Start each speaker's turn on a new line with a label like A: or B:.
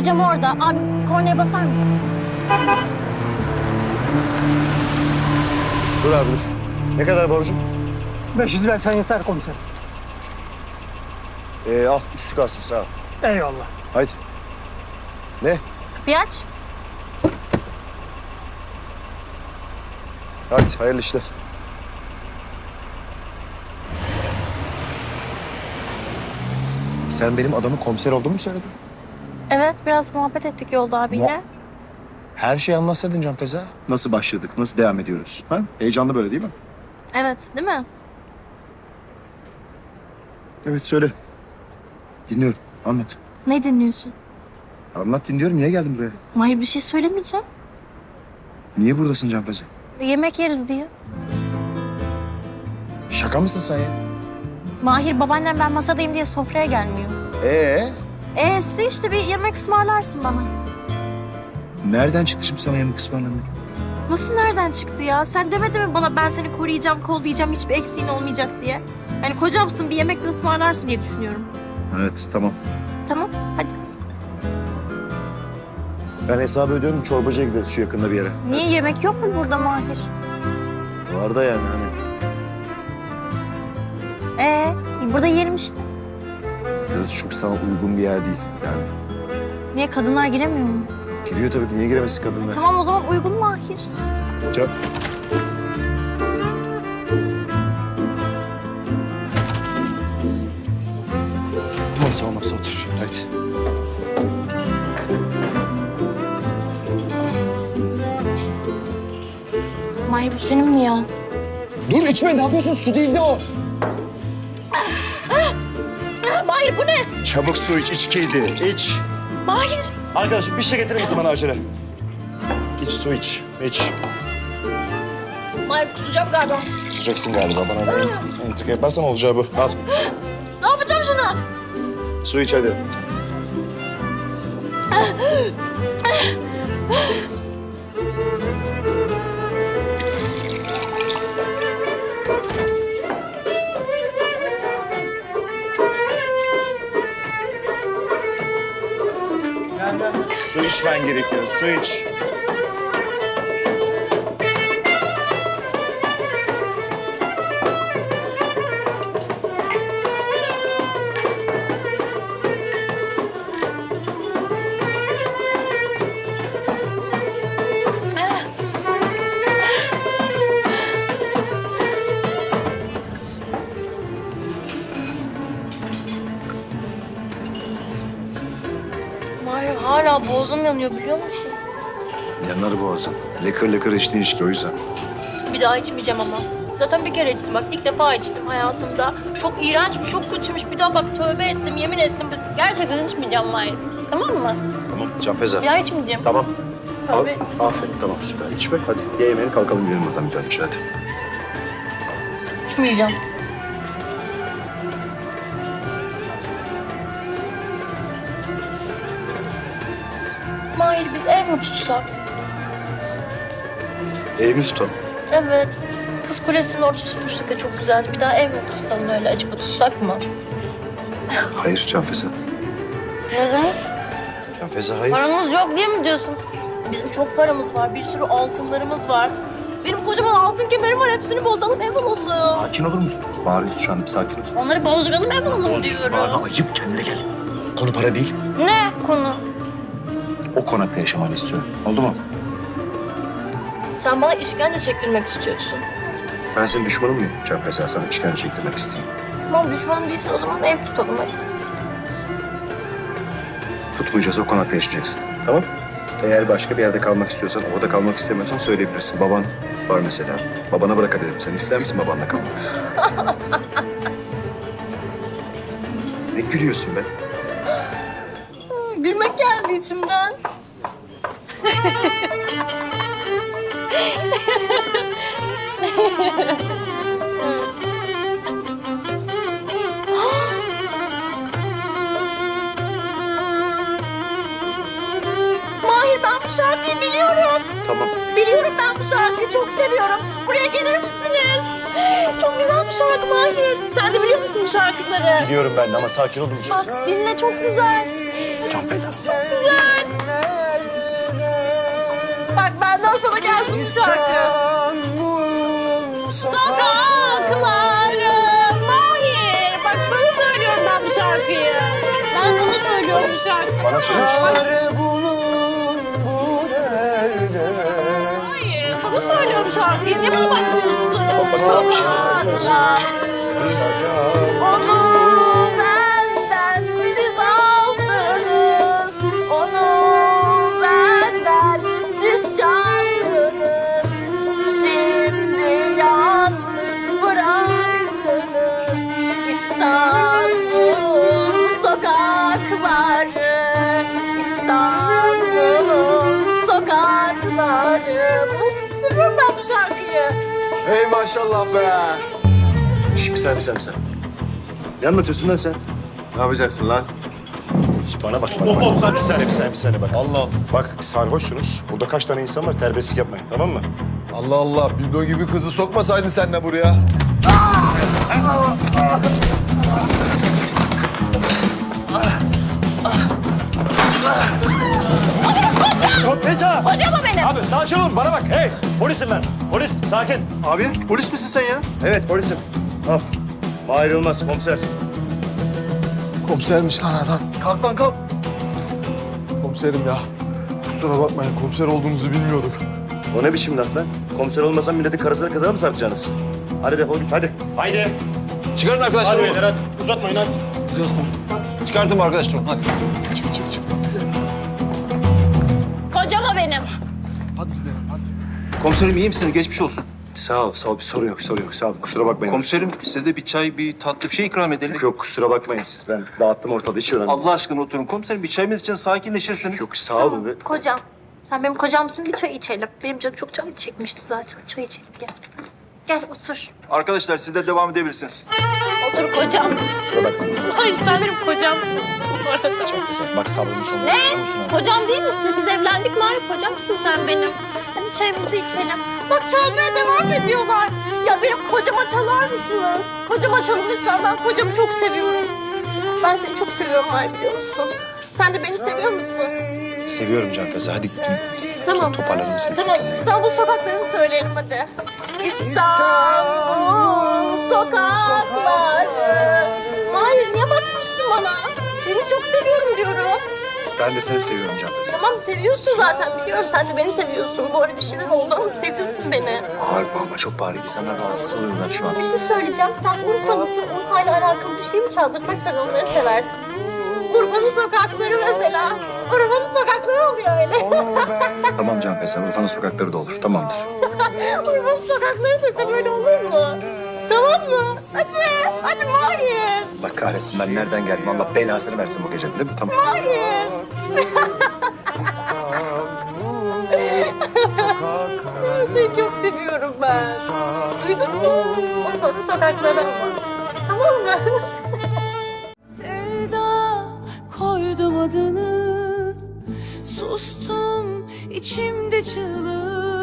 A: Hocam orada. Abi kornaya basar mısın?
B: Dur abi dur. Ne kadar borcum?
C: 500 versen yeter komiserim.
B: Al üstü kalsın sağ ol.
C: Eyvallah.
B: Haydi. Ne?
A: Kapıyı aç.
B: Hadi hayırlı işler. Sen benim adamın komiser olduğumu mu söyledin?
A: Evet, biraz muhabbet ettik yolda abiyle.
B: Her şeyi anlatsaydın Can Feza. Nasıl başladık, nasıl devam ediyoruz? Ha? Heyecanlı böyle değil mi?
A: Evet, değil mi?
B: Evet söyle. Dinliyorum. Anlat.
A: Ne dinliyorsun?
B: Anlat dinliyorum. Niye geldin buraya?
A: Mahir bir şey söylemeyeceğim.
B: Niye buradasın Can Feza?
A: Yemek yeriz diye.
B: Şaka mısın sen ya?
A: Mahir babaannem ben masadayım diye sofraya gelmiyor. Size işte bir yemek ısmarlarsın bana.
B: Nereden çıktı şimdi sana yemek ısmarlamak?
A: Nasıl nereden çıktı ya? Sen demedin mi bana ben seni koruyacağım, kollayacağım, hiçbir eksiğin olmayacak diye? Yani kocamsın bir yemek de ısmarlarsın diye düşünüyorum.
B: Evet tamam.
A: Tamam, hadi.
B: Ben hesabı ödüyorum. Çorbacıya gideriz şu yakında bir yere.
A: Niye yemek yok mu burada Mahir?
B: Var da yani hani.
A: Burada yerim işte.
B: Burası çok sana uygun bir yer değil yani.
A: Niye kadınlar giremiyor mu?
B: Giriyor tabii ki. Niye giremezsin kadınlar?
A: Tamam o zaman uygun Mahir.
B: Can. Masa otur. Hadi.
A: Mahir bu senin mi ya?
B: Dur içme ne yapıyorsun? Su değildi o.
A: Mahir bu ne?
B: Çabuk su iç, içkiydi. İç.
A: Mahir.
B: Arkadaşım bir şey getirir misin bana acele? İç su iç. İç.
A: Mahir kusacağım galiba.
B: Kusacaksın galiba bana da entrika yaparsan olacağı bu. Al.
A: Ne yapacağım sana?
B: Su iç hadi. Su içmen gerekiyor. Su iç.
A: Mahir hala boğazım yanıyor biliyor musun?
B: Yanar boğazın. Lıkır lıkır içtiğin içki o yüzden.
A: Bir daha içmeyeceğim ama. Zaten bir kere içtim bak ilk defa içtim hayatımda. Çok iğrençmiş, çok kötüymüş. Bir daha bak tövbe ettim, yemin ettim. Gerçekten içmeyeceğim Mahir. Tamam mı?
B: Tamam Can Feza.
A: Bir daha içmeyeceğim.
B: Tamam. Al.
A: Tövbe.
B: Aferin tamam süper. İçme hadi. Ye yemeğini kalkalım gidelim buradan bir an önce hadi.
A: İçmeyeceğim. Mahir biz ev mi tutsak?
B: Ev mi tutalım?
A: Evet. Kız Kulesi'nin orada tutmuştuk ya çok güzeldi. Bir daha ev mi tutsalım öyle acaba tutsak mı?
B: Hayır Can Feza.
A: Neden?
B: Can Feza hayır.
A: Paramız yok diye mi diyorsun? Bizim çok paramız var, bir sürü altınlarımız var. Benim kocaman altın kemerim var, hepsini bozalım, ev alalım.
B: Sakin olur musun? Bağırıyorsun şu anda bir sakin ol.
A: Onları bozduralım, ev alalım diyorum.
B: Bağırma ayıp kendine gel. Konu para değil.
A: Ne konu?
B: O konakta yaşamanı istiyorum. Oldu mu?
A: Sen bana işkence çektirmek istiyorsun.
B: Ben senin düşmanın mıyım? Can Feza sana işkence çektirmek isteyeyim.
A: Tamam düşmanım değilsen o zaman ev tutalım hadi.
B: Tutmayacağız o konakta yaşayacaksın. Tamam? Eğer başka bir yerde kalmak istiyorsan, orada kalmak istemiyorsan söyleyebilirsin. Baban var mesela. Babana bırakabilirim. Sen ister misin babanla kalmak? Ne gülüyorsun be?
A: Gülmek geldi içimden. Mahir ben bu şarkıyı biliyorum.
B: Tamam.
A: Biliyorum ben bu şarkıyı çok seviyorum. Buraya gelir misiniz? Çok güzel bir şarkı Mahir. Sen de biliyor musun bu şarkıları?
B: Biliyorum ben de ama sakin olur musun?
A: Bak dinle çok güzel.
B: Can Feza.
A: Güzel. Bak benden sana gelsin bu şarkı. Sokakları Mahir. Bak sana söylüyorum ben bu şarkıyı. Ben sana söylüyorum bu şarkıyı.
B: Bana söyle.
A: Hayır, sana söylüyorum şarkıyı. Niye bana bakmıyorsun? Sokaklar. Onu benden siz aldınız. Onu benden siz çaldınız. Şimdi yalnız bıraktınız. İstanbul sokakları. İstanbul sokakları. Çok seviyorum ben bu şarkıyı.
D: Hey maşallah be.
B: Şş, bir saniye. Ne anlatıyorsun lan sen?
D: Ne yapacaksın lan?
B: Şş, bana bak. Bir saniye bak.
D: Allah
B: Bak sarhoşsunuz. Burada kaç tane insan var, terbiyesizlik yapmayın, tamam mı?
D: Allah Allah. Bildo gibi kızı sokmasaydın sen de buraya.
B: Çok Feza!
A: Hocam o benim.
B: Abi sakin olun, bana bak. Hey, polisim ben. Polis, sakin.
D: Abi polis misin sen ya?
B: Evet, polisim. Al. Mahir Yılmaz, komiser.
D: Komisermiş lan adam.
B: Kalk lan kalk.
D: Komiserim ya. Kusura bakmayın komiser olduğumuzu bilmiyorduk.
B: O ne biçim laf lan? Komiser olmasan milletin karısına kızına mı sarkacaksınız? Hadi defol git, hadi. Haydi.
D: Çıkarın arkadaşlar.
B: Hadi beyler, hadi. Uzatmayın, hadi.
D: Gidiyoruz komiserim. Çıkardım arkadaşlar hadi. Çık.
A: Kocam o benim.
D: Hadi gidelim hadi.
E: Komiserim iyi misiniz? Geçmiş olsun.
B: Sağ ol. Bir sorun yok. Sağ ol. Kusura bakmayın.
E: Komiserim size de bir çay, bir tatlı bir şey ikram edelim.
B: Yok, kusura bakmayın siz. Ben dağıttım ortalığı, hiç önemli değil.
E: Allah aşkına oturun komiserim. Bir çayımız için sakinleşirsiniz.
B: Yok, sağ olun.
A: Kocam. Sen benim kocamsın, bir çay içelim. Benim canım çok çay çekmişti zaten. Çay içelim gel. Gel otur.
E: Arkadaşlar siz de devam edebilirsiniz.
A: Otur kocam.
B: Kusura bakmayın.
A: Hayır sen benim kocamsın.
B: Çok güzel. Bak sabrımın sonunda.
A: Ne?
B: biliyor musun abi?
A: Kocam değil misin? Biz evlendik mi? Hayır kocam mısın sen benim? Hadi çayımızı içelim. Bak çalmaya devam ediyorlar. Ya benim kocama çalar mısınız? Kocama çalın lütfen. Ben kocamı çok seviyorum. Ben seni çok seviyorum Mahir biliyor musun? Sen de beni seviyor musun?
B: Seviyorum Can Feza. Hadi
A: Tamam.
B: toparlanalım seni.
A: Tamam. İstanbul sokaklarını söyleyelim hadi. İstanbul sokakları. Mahir niye bakmıyorsun bana? Seni çok seviyorum diyorum.
B: Ben de seni seviyorum Can Feza.
A: Tamam seviyorsun zaten biliyorum. Sen de beni seviyorsun. Bu arada bir şeyler oldu ama seviyorsun beni.
B: Bağırma çok bağır. İnsanlar rahatsız oluyorlar şu an.
A: Bir şey söyleyeceğim. Sen Urfalısın. Urfa'yla alakalı bir şey mi çaldırsak sen onları seversin. Urfa'nın sokakları mesela. Urfa'nın sokakları oluyor öyle.
B: Tamam Can Feza. Urfa'nın sokakları da olur. Tamamdır.
A: Urfa'nın sokakları dese böyle olur mu? Tamam mı? Hadi Mahir.
B: Allah kahretsin, ben nereden geldim? Allah belasını versin bu gece, değil mi? Tamam.
A: Mahir. Seni çok seviyorum ben. Duydun mu? Urfa'nın sokakları ama. Tamam mı?
F: Sevda koydum adını, sustum içimde çığlık.